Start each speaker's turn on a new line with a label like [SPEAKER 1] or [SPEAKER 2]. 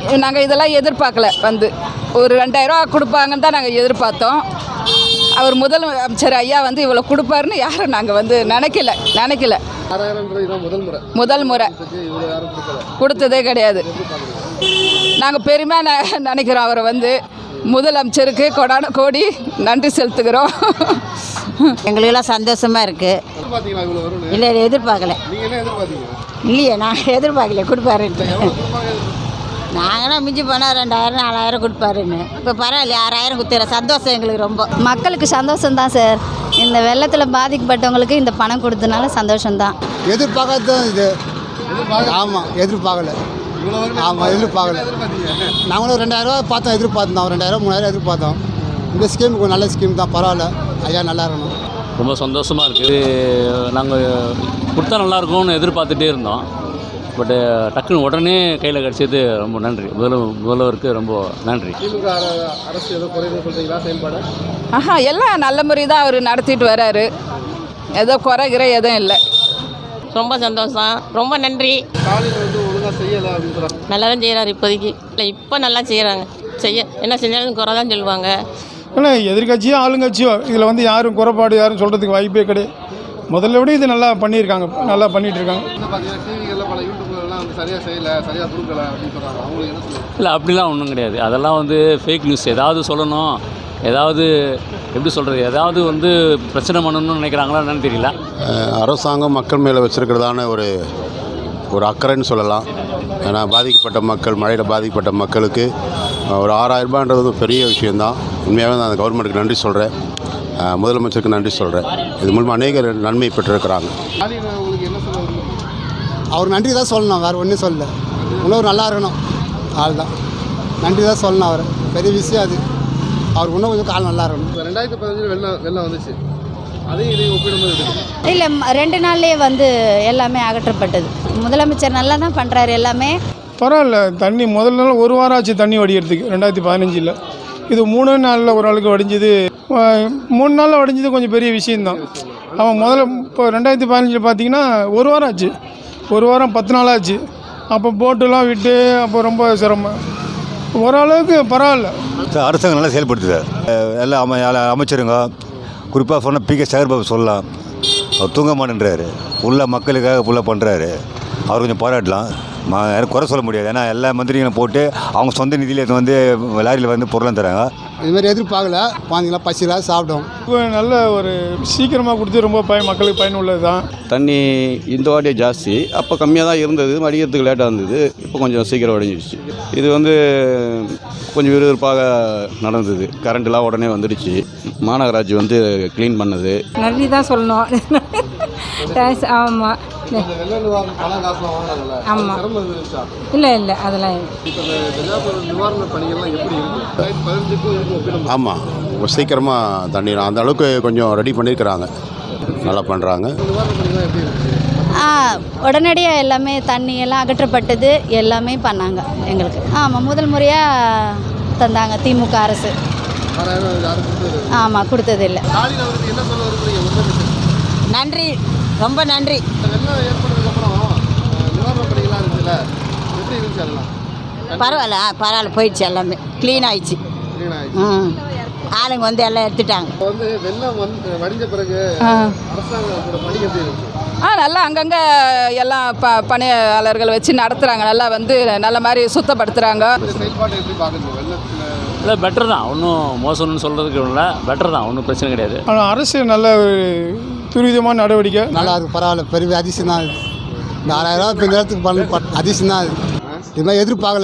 [SPEAKER 1] நாங்கள் இதெல்லாம் எதிர்பார்க்கல. வந்து ஒரு 2000 ரூபா கொடுப்பாங்கன்னு தான் நாங்கள் எதிர்பார்த்தோம். அவர் முதலமைச்சர் ஐயா வந்து இவ்வளோ கொடுப்பாருன்னு யாரும் நாங்கள் வந்து நினைக்கல. முதல் முறை கொடுத்ததே கிடையாது. நாங்கள் பெருமையாக நினைக்கிறோம். அவரை வந்து முதலமைச்சருக்கு கொடான கோடி நன்றி செலுத்துகிறோம்.
[SPEAKER 2] எங்களுக்கெல்லாம் சந்தோஷமாக இருக்குது. இல்லை எதிர்பார்க்கல. இல்லையே நாங்கள் எதிர்பார்க்கல கொடுப்பாருன்ட்டு. நாங்களாம் மிஞ்சி போனால் 2000 4000 கொடுப்பாருன்னு. இப்போ பரவாயில்ல 6000 கொடுத்துற சந்தோஷம் எங்களுக்கு ரொம்ப.
[SPEAKER 3] மக்களுக்கு சந்தோஷம்தான் சார். இந்த வெள்ளத்தில் பாதிக்கப்பட்டவங்களுக்கு இந்த பணம் கொடுத்தனால சந்தோஷம்தான்.
[SPEAKER 4] எதிர்பார்க்காது தான் இது. ஆமாம் எதிர்பார்க்கல. ஆமாம் எதிர்பார்க்கல. நாங்களும் 2000 ரூபா பார்த்தோம், எதிர்பார்த்தோம். 2000 3000 எதிர்பார்த்தோம். இந்த ஸ்கீம் கொஞ்சம் நல்ல ஸ்கீம் தான், பரவாயில்ல. ஐயா நல்லா இருக்கணும்.
[SPEAKER 5] ரொம்ப சந்தோஷமாக இருக்குது. நாங்கள் கொடுத்தா நல்லாயிருக்கும்னு எதிர்பார்த்துட்டே இருந்தோம். பட்டு டக்குன்னு உடனே கையில் கிடச்சது. ரொம்ப நன்றி முதல்வருக்கு, ரொம்ப நன்றி.
[SPEAKER 1] எல்லாம் நல்ல முறை தான் அவர் நடத்திட்டு வர்றாரு. ஏதோ குறைகிற எதுவும் இல்லை.
[SPEAKER 6] ரொம்ப சந்தோஷம், ரொம்ப நன்றி. நல்லா தான் செய்கிறாரு இப்போதைக்கு. இல்லை இப்போ நல்லா செய்கிறாங்க. என்ன செஞ்சாலும் குறை தான் சொல்லுவாங்க.
[SPEAKER 7] ஆனால் எதிர்கட்சியோ ஆளுங்கட்சியோ இதில் வந்து யாரும் குறைபாடு யாரும் சொல்கிறதுக்கு வாய்ப்பே கிடையாது. முதல்ல விட இது நல்லா பண்ணியிருக்காங்க, நல்லா பண்ணிகிட்டு இருக்காங்க.
[SPEAKER 5] இல்லை அப்படிலாம் ஒன்றும் கிடையாது. அதெல்லாம் வந்து ஃபேக் நியூஸ். ஏதாவது சொல்லணும், ஏதாவது எப்படி சொல்கிறது, ஏதாவது வந்து பிரச்சனை பண்ணணும்னு நினைக்கிறாங்களா என்னன்னு தெரியல.
[SPEAKER 8] அரசாங்கம் மக்கள் மேலே வச்சுருக்கிறதான ஒரு அக்கறைன்னு சொல்லலாம். ஏன்னா பாதிக்கப்பட்ட மக்கள், மழையில் பாதிக்கப்பட்ட மக்களுக்கு ஒரு 6000 ரூபான்றது பெரிய விஷயந்தான். உண்மையாகவே நான் அந்த கவர்மெண்ட்டுக்கு நன்றி சொல்கிறேன், முதலமைச்சருக்கு நன்றி சொல்கிறேன். இது மூலமாக அநேக நன்மை பெற்றிருக்கிறாங்க.
[SPEAKER 4] அவர் நன்றி தான் சொல்லணும், வேறு ஒன்றும் சொல்லலை. இன்னும் நல்லா இருக்கணும், ஆள் தான் நன்றி தான் சொல்லணும். அவர் பெரிய விஷயம் அது. அவருக்கு இன்னும் கொஞ்சம் கால் நல்லா இருக்கணும்.
[SPEAKER 9] 2015 வெள்ளம் வந்துச்சு, அதையும் இதையும் ஒப்பிடும்போது
[SPEAKER 3] இல்லை 2 நாள்லேயே வந்து எல்லாமே அகற்றப்பட்டது. முதலமைச்சர் நல்லா தான் பண்ணுறாரு எல்லாமே.
[SPEAKER 7] பரவாயில்ல. தண்ணி முதல்ல நாள் 1 வாரம் ஆச்சு தண்ணி வடிகிறதுக்கு 2015. இது 3 நாளில் ஒரு ஆளுக்கு வடிஞ்சது. 3 நாளில் வடிஞ்சது கொஞ்சம் பெரிய விஷயந்தான். அவன் முதல்ல இப்போ 2015 பார்த்திங்கன்னா 1 வாரம் ஆச்சு. 1 வாரம் 10 நாள் ஆச்சு. அப்போ போட்டெல்லாம் விட்டு அப்போ ரொம்ப சிரமம். ஓரளவுக்கு பரவாயில்ல.
[SPEAKER 10] அரசாங்கம் நல்லா செயல்படுத்து சார். எல்லாம் அமைச்சருங்க, குறிப்பாக சொன்னால் PK சேகர்பாபு சொல்லலாம். அவர் தூங்க மாட்டேன்றாரு, ஃபுல்லாக மக்களுக்காக ஃபுல்லாக பண்ணுறாரு. அவர் கொஞ்சம் பாராட்டலாம், யாரும் குறை சொல்ல முடியாது. ஏன்னா எல்லா மந்திரிகளும் போட்டு அவங்க சொந்த நிதியில் வந்து லாரியில் வந்து பொருளாக தராங்க.
[SPEAKER 4] இதுமாதிரி எதிர்பார்க்கல. குழந்தைங்களா பசிலாம் சாப்பிட்டோம்.
[SPEAKER 7] இப்போ நல்ல ஒரு சீக்கிரமாக கொடுத்து ரொம்ப மக்களுக்கு பயனுள்ளது தான்.
[SPEAKER 11] தண்ணி இந்த வாட்டியே ஜாஸ்தி, அப்போ கம்மியாக தான் இருந்தது, வடிகிறதுக்கு லேட்டாக இருந்தது. இப்போ கொஞ்சம் சீக்கிரம் வடிஞ்சிடுச்சு. இது வந்து கொஞ்சம் விறுவிறுப்பாக நடந்தது. கரண்ட்லாம் உடனே வந்துடுச்சு. மாநகராட்சி வந்து க்ளீன் பண்ணது.
[SPEAKER 6] நன்றி தான் சொல்லணும். ஆமாம் ஆமாம். இல்லை அதெல்லாம்
[SPEAKER 8] ஆமாம், சீக்கிரமாக தண்ணி அந்த அளவுக்கு கொஞ்சம் ரெடி பண்ணியிருக்கிறாங்க, நல்லா பண்ணுறாங்க.
[SPEAKER 3] உடனடியாக எல்லாமே தண்ணி எல்லாம் அகற்றப்பட்டது, எல்லாமே பண்ணாங்க எங்களுக்கு. ஆமாம், முதல் முறையாக தந்தாங்க திமுக அரசு. ஆமாம், கொடுத்ததில்லை.
[SPEAKER 2] நன்றி, ரொம்ப நன்றி. பரவாயில்ல போயிடுச்சு, எல்லாமே க்ளீன் ஆயிடுச்சு. ஆளுங்க வந்து எல்லாம் எடுத்துட்டாங்க.
[SPEAKER 1] நல்லா அங்கங்கே எல்லாம் பணியாளர்கள் வச்சு நடத்துகிறாங்க. நல்லா வந்து நல்ல மாதிரி சுத்தப்படுத்துகிறாங்க.
[SPEAKER 5] இல்லை பெட்டர் தான், ஒன்றும் மோசம்னு சொல்கிறதுக்கு இல்லை, பெட்டர் தான், ஒன்றும் பிரச்சனை கிடையாது.
[SPEAKER 7] ஆனால் அரசு நல்ல ஒரு துரிதமான நடவடிக்கை.
[SPEAKER 4] நல்லா இருக்குது, பரவாயில்ல. பெரிய அதிசயம் தான். இது 4000 ரூபா இப்போ இந்த இடத்துக்கு அதிசயம் தான். இது மாதிரி எதிர்பார்க்கல.